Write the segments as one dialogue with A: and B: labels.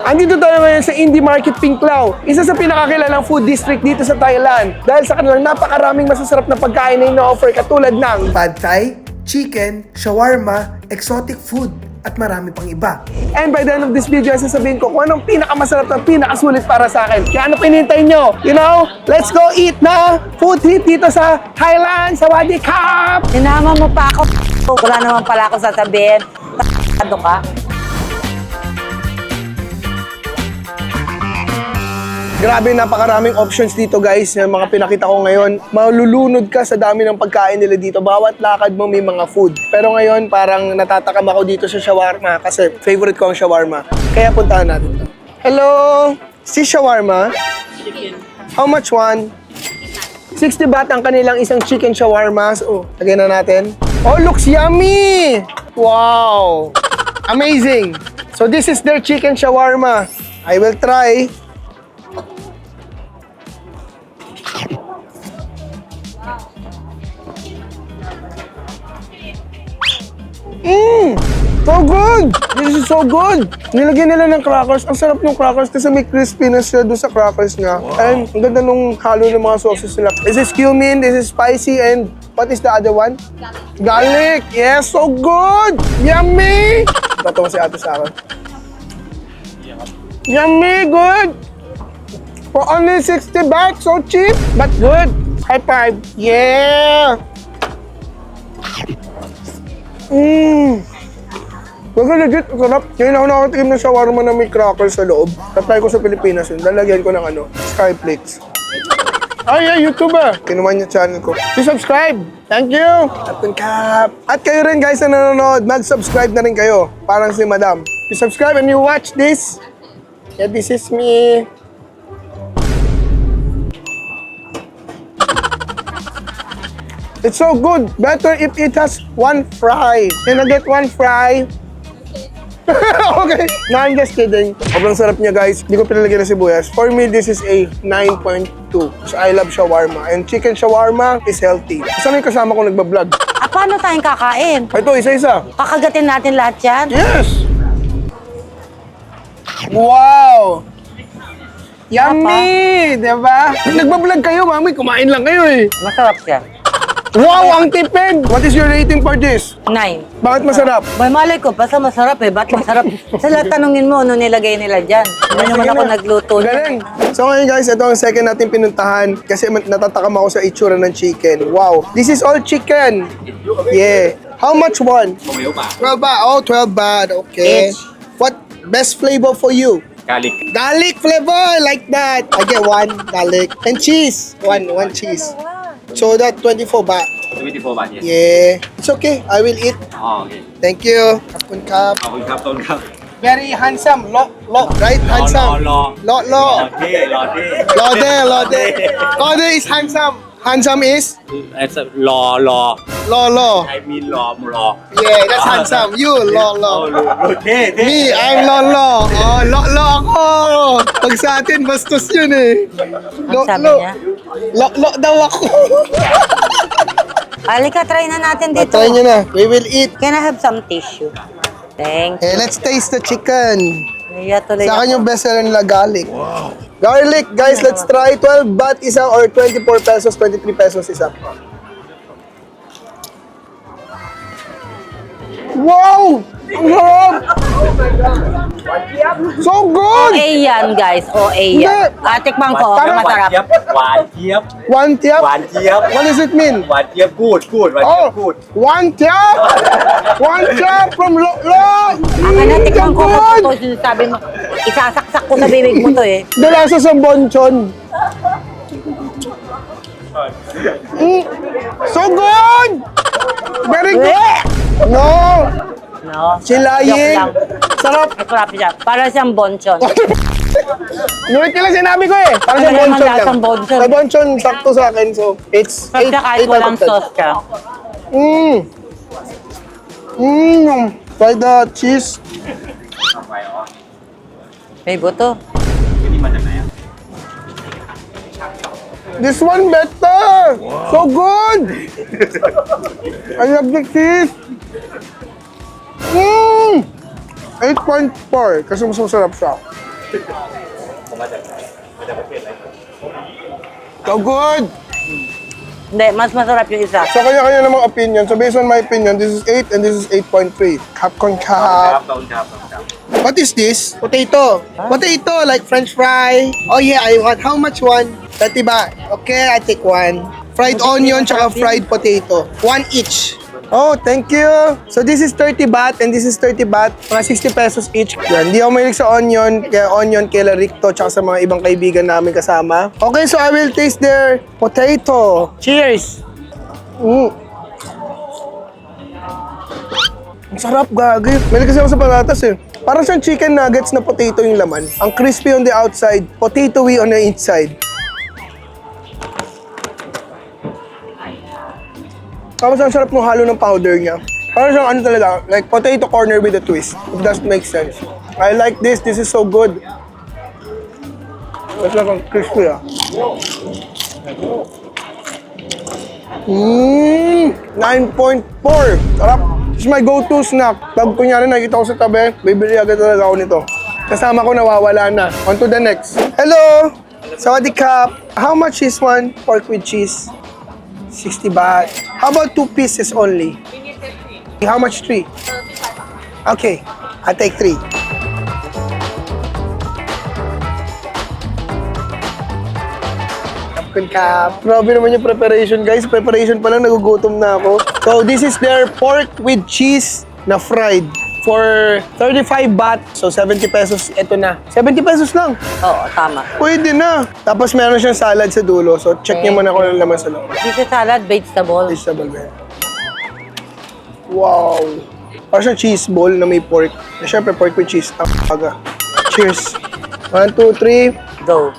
A: Andito tayo ngayon sa Indie Market Pinklao, isa sa pinakakilalang food district dito sa Thailand. Dahil sa kanilang napakaraming masasarap na pagkain na ino-offer katulad ng Pad Thai, chicken, shawarma, exotic food, at marami pang iba. And by the end of this video, sasabihin ko kung anong pinakamasarap at pinakasulit para sa akin. Kaya ano pinintay nyo? You know, let's go eat na food trip dito sa Thailand, sa Wadi Cup!
B: Sinama mo pa ako. Wala naman pala ako sasabihin. Ano ka?
A: Grabe, napakaraming options dito guys, yung mga pinakita ko ngayon. Malulunod ka sa dami ng pagkain nila dito. Bawat lakad mo may mga food. Pero ngayon, parang natatakam ako dito sa shawarma kasi favorite ko ang shawarma. Kaya puntahan natin to. Hello! Si shawarma? Chicken. How much one? 60 baht ang kanilang isang chicken shawarma. So, lagyan na natin. Oh, looks yummy! Wow! Amazing! So this is their chicken shawarma. I will try. So good! This is so good! Nilagyan nila ng crackers. Ang sarap ng crackers kasi may crispiness siya doon sa crackers niya. Wow. And ang ganda nung halo ng mga sauces nila. This is cumin, this is spicy, and what is the other one? Garlic! Yes, so good! Yummy! Tatawa si ate sa akin. Yummy! Good! For only 60 baht, so cheap, but good! High five! Yeah! Baga legit, sarap. Ngayon ako nakatikim ng shawarma na may crackers sa loob. Tatry ko sa Pilipinas yun. Lalagyan ko ng Skyflakes. Ay, yeah, YouTuber. Kinuman yung channel ko. Please subscribe. Thank you. Captain Cap. At kayo rin guys na nanonood, mag-subscribe na rin kayo. Parang si Madam. You subscribe and you watch this. Yeah, this is me. It's so good. Better if it has one fry. Can I get one fry? Okay. No, I'm just kidding. Sobrang sarap niya, guys. Hindi ko pinalagyan na sibuyas. For me, this is a 9.2. So, I love shawarma. And chicken shawarma is healthy. Saan yung kasama ko nagbablog?
B: Paano tayong kakain?
A: Ito, isa-isa.
B: Kakagatin natin lahat yan?
A: Yes! Wow! Yummy! Diba? Nagbablog kayo, mami. Kumain lang kayo eh.
B: Masarap siya.
A: Wow! Ang tipid! What is your rating for this?
B: 9.
A: Bakit masarap?
B: May malay ko, basta masarap eh. Ba't masarap? Sila tanungin mo, ano nilagay nila dyan? Hindi naman ako nagluto.
A: Galing! So ngayon guys, ito ang second natin pinuntahan kasi natatakam ako sa itsura ng chicken. Wow! This is all chicken! Yeah! How much one? 12 baht. Oh, 12 baht. Okay.
B: Each.
A: What best flavor for you?
C: Garlic.
A: Garlic flavor! Like that! I get one garlic. And cheese! One cheese. So that 24 baht.
C: 24 บาท yes.
A: Yeah. It's okay. I will eat.
C: อ๋อโอเค
A: Thank you. ขอบคุณครับ
C: ขอบคุณครับต้นครับ
A: Very handsome. Right? Handsome.
C: รอ
A: Lo.
C: เท่รอเท่
A: Lode. Lode is handsome. Handsome is?
C: รอ
A: Lo.
C: I mean รอ
A: Yeah, that's handsome. You, Lo.
C: เท่
A: Me, I'm Lo. Oh, Lo ako. Pag sa atin, bastos yun eh.
B: Ang sabi niya?
A: Lo daw ako.
B: Halika, try na natin dito.
A: Try nyo na. We will eat.
B: Can I have some tissue? Thank you.
A: Hey, let's taste the chicken.
B: Naya tuloy
A: Sa akin
B: ako.
A: yung best seller nila, garlic. Wow. Garlic, guys, let's try. 12 baht isa or 24 pesos, 23 pesos isa. Wow! Ang sarap! So good!
B: OA yan, guys. OA yan. Tikman ko,
A: Parang
B: masarap.
C: หวานเจี๊ยบ
A: One tiap?
C: หวานเจี๊ยบ
A: What does it mean?
C: หวานเจี๊ยบกูดหวานเจี๊ย
A: Oh,
C: บกูด
A: one tiap! One tiap from Lo!
B: Akin na, tikman ko
A: good!
B: kung ito sinasabi mo. Isasaksak ko sa bibig mo to eh.
A: Dalasa sa bonchon. So good! Very good! No!
B: No?
A: Silaying!
B: Joke lang.
A: Sarap!
B: Masarap siya. Para siyang bonchon.
A: Nulit ka lang sinabi ko eh. Parang sa
B: Ano naman
A: bonchon lang.
B: lasang bonchon?
A: Sa bonchon, sakto sa akin. So, it's
B: Sarap siya kahit walang sauce siya.
A: Try the cheese.
C: ไปอ๋อ
B: May buto.
C: นี่มาจากไหนอ่ะ
A: This one better! So good! I love the cheese! 8.4 kasi mas masarap siya. So good!
B: Hindi, mas masarap yung isa.
A: So kanya-kanya namang opinion. So based on my opinion, this is 8 and this is 8.3. Kapkon kap. What is this? Potato. Potato, like French fry. Oh yeah, I want. How much one? 30 baht. Okay, I take one. Fried onion tsaka fried potato. One each. Oh, thank you. So this is 30 baht and this is 30 baht. Mga 60 pesos each. Yan. Hindi ako mahilig sa onion. Kaya onion, kila Ricto, tsaka sa mga ibang kaibigan namin kasama. Okay, so I will taste their potato. Cheers! Ang sarap, gagi. Mahilig kasi ako sa patatas eh. Parang siyang chicken nuggets na potato yung laman. Ang crispy on the outside, potatoey on the inside. Tapos ang sarap ng halo ng powder niya. Parang siyang ano talaga, like potato corner with a twist. If that makes sense. I like this. This is so good. Mas lang ang crispy ah. 9.4. Sarap. This is my go-to snack. Pag kunyari nakikita ko sa tabi, bibili agad talaga ako nito. Kasama ko nawawala na. On to the next. Hello! Sawadee Kap. How much is one pork with cheese? 60 baht. How about 2 pieces only? How much 3? Okay, I'll take 3. Kapkun Kap. Grabe naman yung preparation, guys. Preparation pa lang, nagugutom na ako. So, this is their pork with cheese na fried for 35 baht. So, 70 pesos. Ito na. 70 pesos lang.
B: Oo, tama.
A: Pwede na. Tapos meron siyang salad sa dulo. So, check niyo muna kung ano laman sa loob.
B: Dito salad, vegetable.
A: Vegetable ba yan? Wow! Parang siyang cheese ball na may pork. Na syempre, pork with cheese. Ang aga. Cheers! 1, 2, 3.
B: Go.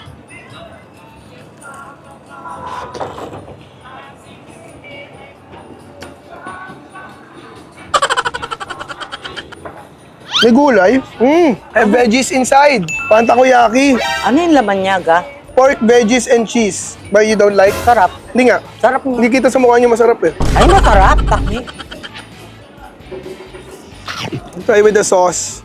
A: May gulay. Have veggies inside. Parang takoyaki.
B: Ano yung laman niya, ga?
A: Pork, veggies, and cheese. But you don't like?
B: Sarap.
A: Hindi nga.
B: Sarap mo.
A: Hindi kita sa mukha niyo masarap eh.
B: Ay, masarap. Takmi.
A: Try with the sauce.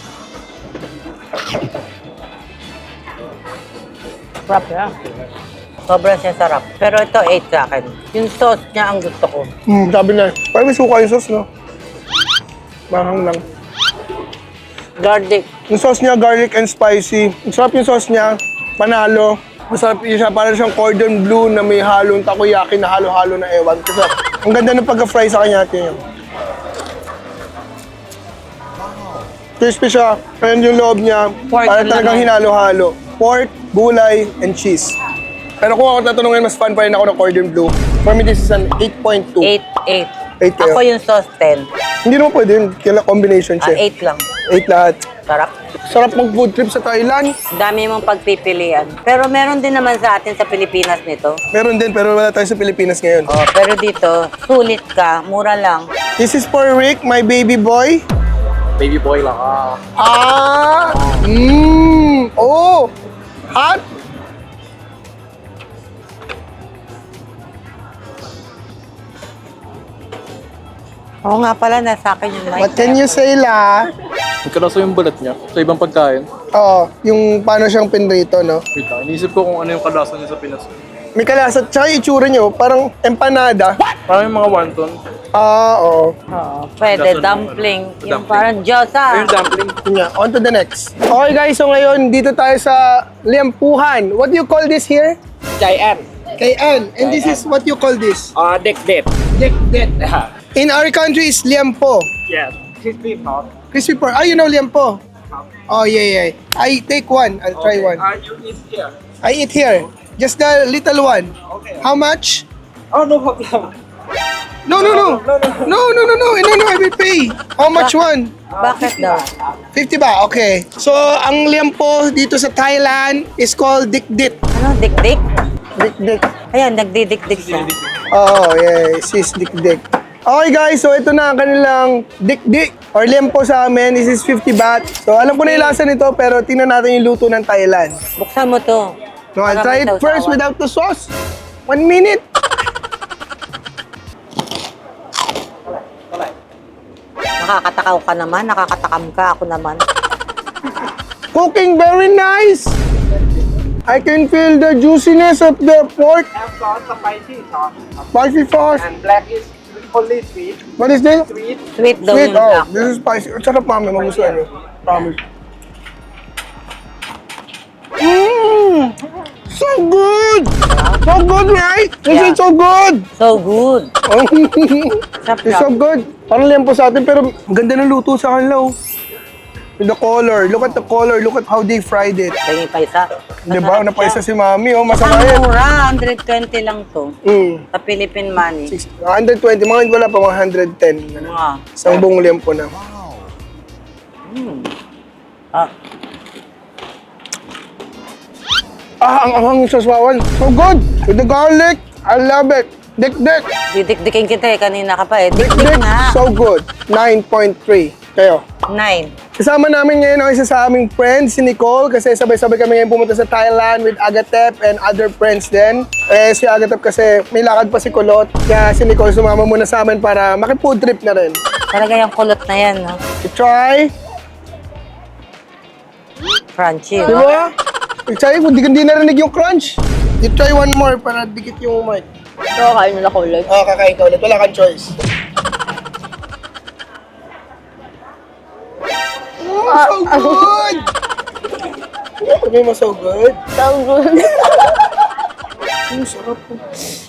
B: Sarap yan. Sobrang siya sarap. Pero ito, 8 sa akin. Yung sauce niya ang gusto ko.
A: Sabi na. Parang may suka yung sauce, no? Mahang lang.
B: Garlic.
A: Yung sauce niya, garlic and spicy. Ang sarap yung sauce niya. Panalo. Masarap yun siya. Parang siyang cordon bleu na may halong takoyaki na halo-halo na ewan. Kasi ang ganda ng pagka-fry sa kanya natin yun. Crispy siya. Ayan yung loob niya.
B: Pork
A: Parang
B: yung
A: talagang
B: laman.
A: hinalo-halo. Pork, gulay, and cheese. Pero kung ako tatanungin, mas fan pa rin ako ng cordon bleu. For me, this is an 8.2.
B: 8.
A: 8 kayo?
B: Ako yung sauce, 10.
A: Hindi naman pwede yun. Kailan combination siya.
B: 8 lang.
A: 8 lahat.
B: Sarap.
A: Sarap mag-food trip sa Thailand.
B: Dami mong pagpipilian. Pero meron din naman sa atin sa Pilipinas nito.
A: Meron din, pero wala tayo sa Pilipinas ngayon.
B: Oh, pero dito, sulit ka, mura lang.
A: This is for Rick, my baby boy.
C: Baby boy lang.
A: Oh! Hot?
B: Oo nga pala, nasa akin yung mic.
A: What can you say, la?
D: Nagkaraso yung balat niya sa ibang pagkain.
A: Oo, yung paano siyang pinrito, no?
D: Wait lang, iniisip ko kung ano yung kalasa niya sa Pinas.
A: May kalasa, tsaka yung itsura niyo, parang empanada.
D: Parang yung mga wonton.
A: Oo.
B: Oo, pwede, dumpling. Yung parang Diyosa.
D: Yung dumpling.
A: Yun nga, on to the next. Okay guys, so ngayon, dito tayo sa Liampuhan. What do you call this here?
C: Giant.
A: Kayan. And this is what you call this?
C: Dek.
A: Dekdet. In our country is liampo.
C: Yes. Crispy pork.
A: Crispy pork. Ah, you know liampo? Oh, yeah. I take one. I'll try one.
C: You eat here.
A: I eat here. Just the little one.
C: Okay.
A: How much?
C: Oh, no problem.
A: No, I will pay. How much one?
B: Bakit daw?
A: 50 ba? Okay. So, ang liampo dito sa Thailand is called dikdik.
B: Ano, dik-dik?
A: Dikdik.
B: Ayan, nagdidikdik siya.
A: Oh, yeah. Sis dikdik. Okay guys, so ito na ang kanilang dikdik or liampo sa amin. This is 50 baht. So, alam ko na yung lasa nito, pero tingnan natin yung luto ng Thailand.
B: Buksan mo to.
A: No, I'll try it
B: Maraming
A: first
B: sausawan.
A: without the sauce. 1 minute.
B: Nakakatakaw ka naman, nakakatakam ka, ako naman.
A: Cooking very nice. I can feel the juiciness of the pork.
C: Have sauce, spicy sauce.
A: Spicy sauce.
C: And black is only sweet.
A: What is this?
C: Sweet.
B: Sweet daw
A: Sweet.
B: yung
A: Oh,
B: black.
A: this is spicy. Ang sarap, mami. Magustuhan niyo. Promise. So good! So good, right? This is so good!
B: So good. Sarap
A: It's so good. Parang lempo sa atin, pero ang ganda ng luto sa kanila, oh. The color. Look at the color. Look at how they fried it.
B: Tingin pa isa.
A: Diba? Napaisa si mami, oh.
B: Ang
A: Masama yan.
B: mura, 120 lang to. Sa Philippine money.
A: 120. Mga wala pa, mga 110.
B: Mga.
A: Isang buong lempo na.
B: Ah,
A: Ang anghang yung saswawan. So good! With the garlic, I love it. Dik-dik.
B: didikdikin kita eh. Kanina ka pa eh. Dikdik
A: Dik-dik.
B: nga.
A: So good. 9.3. Kayo.
B: 9.
A: Kasama namin ngayon ang isa sa aming friends, si Nicole, kasi sabay-sabay kami ngayon pumunta sa Thailand with Agatep and other friends din. Eh, si Agatep kasi may lakad pa si Kulot, kaya si Nicole sumama muna sa amin para maki-food trip na rin.
B: Talaga yung kulot na yan, no?
A: You try,
B: Crunchy.
A: di ba? You try, hindi narinig yung crunch. You try one more para dikit yung mic.
B: So, kain nila kulot.
A: Kakain ka ulit, wala kang choice. So good! Sabi mo, so good?
B: So good.
A: Ang sarap po.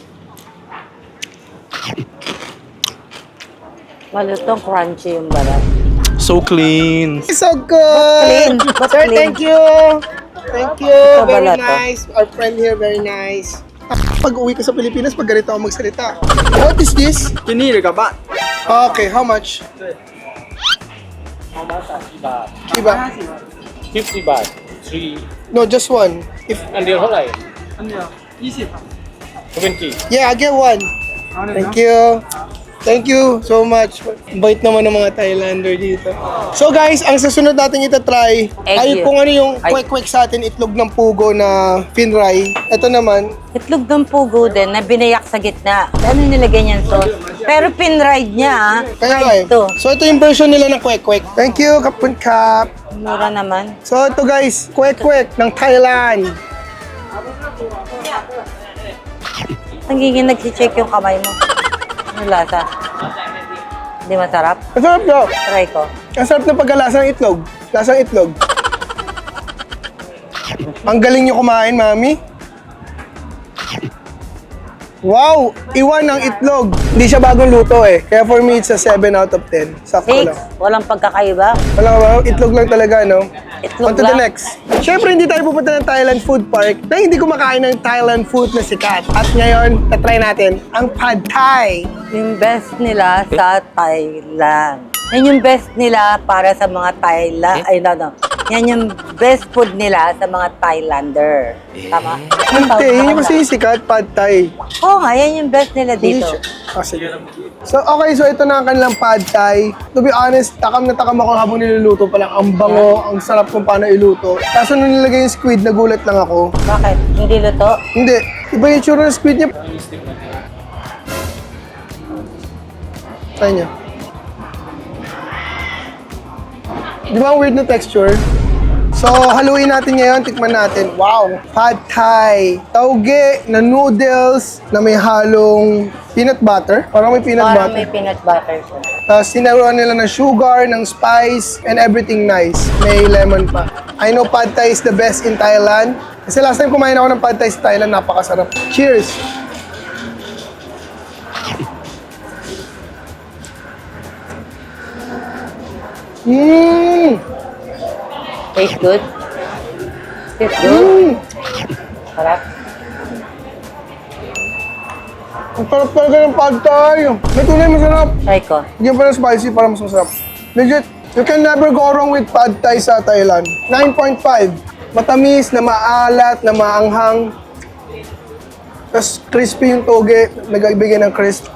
B: Malutong crunchy yung balat.
D: So clean.
A: So good!
B: Clean. But
A: Sir,
B: clean.
A: thank you! Thank you!
B: Ito
A: Very
B: balato.
A: nice. Our friend here, very nice. Pag uwi ka sa Pilipinas, pag ganito ako magsalita. What is this?
C: Pinili ka ba?
A: Okay, how much? Diba?
E: 50 baht, 3,
A: No, just one. If
E: อันเดียวเท่าไหร่
C: 20 pa.
E: 20
A: Yeah, I get one. Thank you. Thank you so much. Bait naman ng mga Thailander dito. So guys, ang susunod natin itatry ay
B: Egg
A: kung ano yung
B: Ay.
A: kwek-kwek sa atin, itlog ng pugo na finray. Ito naman,
B: Itlog ng pugo din na binayak sa gitna. Ano nilagay niyan sauce? Pero pinride niya, ah.
A: kaya nga eh.
B: Ito.
A: So ito yung version nila ng kwek-kwek. Thank you, Kapun Kap.
B: Mura naman.
A: So ito guys, kwek-kwek ng Thailand.
B: Nagiging nagsi-check yung kamay mo. Ano lasa? Hindi masarap?
A: Ang sarap daw.
B: Try ko.
A: Ang sarap ng pagkalasa ng itlog. Lasang itlog. Ang galing nyo kumain, mami. Wow! Iwan ng itlog. Hindi siya bagong luto eh. Kaya for me, it's a 7 out of 10. Sakto
B: 6.
A: lang.
B: Walang pagkakaiba.
A: Wala ka ba? Itlog lang talaga, no? On
B: Itlog
A: to the
B: lang.
A: next. Siyempre, hindi tayo pupunta ng Thailand Food Park na hindi kumakain ng Thailand food na sikat. At ngayon, tatry natin ang Pad Thai.
B: Yung best nila sa Thailand. Yan yung best nila para sa mga Thailand. Ay, no. Yan yung best food nila sa mga Thailander. Tama?
A: Hindi, yun yung kasi yung sikat, Pad Thai.
B: Oo nga, yan yung best nila
A: Hindi
B: dito.
A: siya. Ah, sige. So, okay. So, ito na ang kanilang Pad Thai. To be honest, takam na takam ako habang niluluto pa lang. Ang bango, ang sarap kung paano iluto. Kaso nung nilagay yung squid, nagulat lang ako.
B: Bakit? Hindi luto?
A: Hindi. Iba yung tsura ng squid niya. Try niya. Di ba ang weird na texture? So, haluin natin ngayon, tikman natin. Wow! Pad Thai. Tauge na noodles na may halong peanut butter. Parang may peanut
B: Parang
A: butter.
B: may peanut butter siya.
A: Tapos sinaruan nila ng sugar, ng spice, and everything nice. May lemon pa. I know Pad Thai is the best in Thailand. Kasi last time kumain ako ng Pad Thai sa Thailand, napakasarap. Cheers! Mmm!
B: Taste good? Taste good?
A: Mmm!
B: Sarap?
A: Ang sarap talaga ng Pad Thai. May tunay masarap.
B: Try ko.
A: Bigyan pa ng spicy para mas masarap. Legit, you can never go wrong with Pad Thai sa Thailand. 9.5. Matamis, na maalat, na maanghang. Tapos crispy yung toge, nagbigay ng crisp.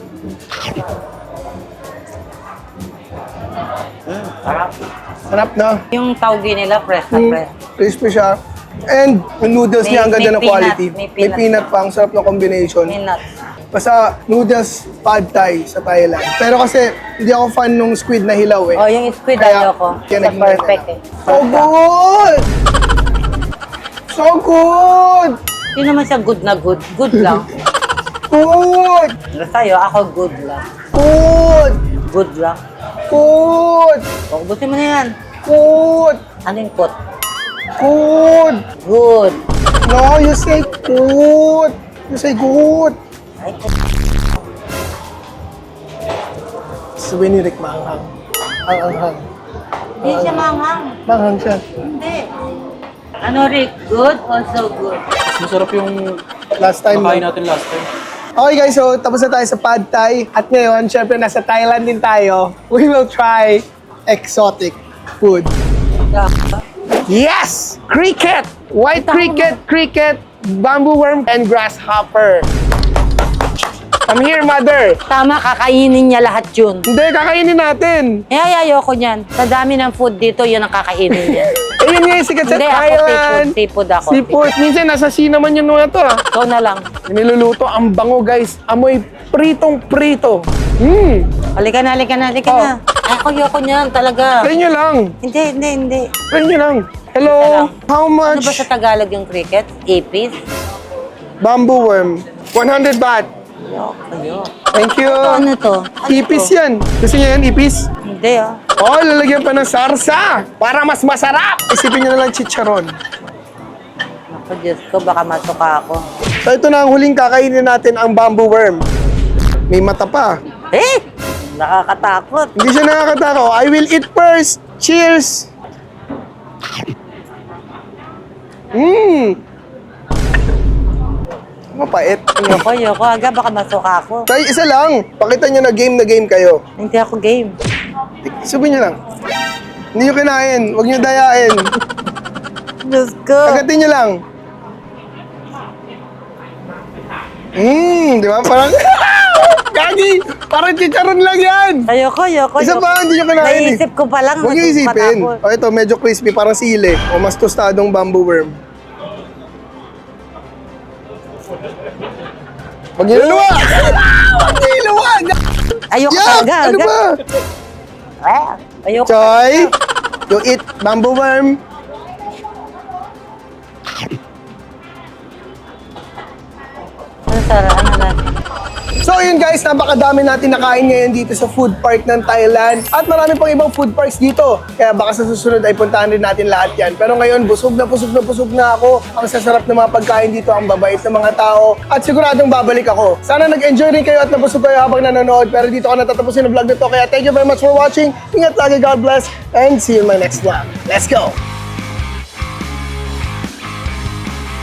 B: Sarap.
A: Sarap na.
B: Yung tauge nila, fresh na fresh.
A: Crispy siya. And yung noodles
B: May-
A: niya, ang ganda
B: may
A: ng
B: peanut,
A: quality.
B: may
A: May
B: peanut.
A: peanut pa, ang sarap ng combination.
B: May nuts.
A: Basta noodles pad thai sa Thailand. Pero kasi hindi ako fan nung squid na hilaw eh.
B: Oh, yung squid
A: Kaya-
B: ayoko.
A: kaya
B: Sa
A: naging
B: perfect
A: ganun.
B: eh.
A: So good! So good!
B: Hindi naman siya good na good. Good lang.
A: Good!
B: Sa'yo, ako good lang.
A: Good!
B: Good lang.
A: Good!
B: Ubusin mo na yan.
A: Good!
B: Ano yung kot?
A: Good!
B: Good.
A: No, you say good! You say good!
B: Ay,
A: Sabi ni Rick, maanghang. Ang anghang.
B: hindi siya manghang.
A: Maanghang siya.
B: Hindi. Ano, Rick? Good or so good?
D: Masarap yung
A: Last time
D: nakain
A: lang.
D: natin last time.
A: Okay guys, so tapos na tayo sa Pad Thai. At ngayon, syempre nasa Thailand din tayo. We will try exotic food. Yes! Cricket! White cricket, bamboo worm, and grasshopper. I'm here, mother.
B: Tama, kakainin niya lahat yun.
A: Hindi, kakainin natin.
B: Ay, ayoko niyan. Sa dami ng food dito, yun ang kakainin niya.
A: Ayun nga yung sikat sa
B: Hindi, ako
A: Thailand.
B: seafood ako.
A: Seafood. Minsan, nasa sea naman yung mga to ah.
B: Ikaw na lang.
A: Niluluto, ang bango guys. Amoy pritong-prito.
B: Halika na.
A: Oh.
B: Ay, ayoko niyan talaga.
A: Try nyo lang.
B: Hindi.
A: Try nyo lang. Hello,
B: Ito lang.
A: how
B: Ano
A: much?
B: ba sa Tagalog yung cricket? Apis?
A: Bamboo worm. 100 baht.
B: Ayoko.
A: Thank you.
B: Ano to?
A: Ipis yan. Gusto niyo yan, ipis?
B: Hindi ah.
A: Oh, lalagyan pa ng sarsa para mas masarap. Isipin niyo na lang chicharon.
B: Ako, Diyos ko, baka masuka ako.
A: So ito na ang huling kakainin natin, ang bamboo worm. May mata pa.
B: Eh! Nakakatakot.
A: Hindi siya nakakatako. I will eat first. Cheers! Mapait.
B: Ayoko. Aga, baka masuka ako.
A: Tay, isa lang. Pakita niyo na game kayo.
B: Hindi ako game.
A: Sabihin niyo lang. Hindi niyo kinain. Huwag niyo dayain.
B: Diyos ko.
A: Agatin niyo lang. Di ba? Parang... Gagi! Parang chicharon lang yan!
B: Ayoko.
A: Isa pa, hindi niyo kinain eh.
B: Naisip ko pa lang.
A: Huwag niyo isipin.
B: matakot.
A: O ito, medyo crispy. Parang sili. O mas tostadong bamboo worm. Huwag niyo luwa! Huwag niyo luwa!
B: Ayoko
A: Yak!
B: talaga.
A: Ano
B: aga.
A: ba?
B: Ayoko.
A: Choy! You eat bamboo worm.
B: Ano, Sarah? Ano natin?
A: So yun guys, napakadami natin nakain ngayon dito sa food park ng Thailand. At marami pang ibang food parks dito. Kaya baka sa susunod ay puntahan rin natin lahat yan. Pero ngayon, busog na ako. Ang sasarap ng mga pagkain dito, ang babait ng mga tao. At siguradong babalik ako. Sana nag-enjoy rin kayo at nabusog kayo habang nanonood. Pero dito ko natatapusin ang vlog na to. Kaya thank you very much for watching. Ingat lagi, God bless. And see you in my next vlog. Let's go!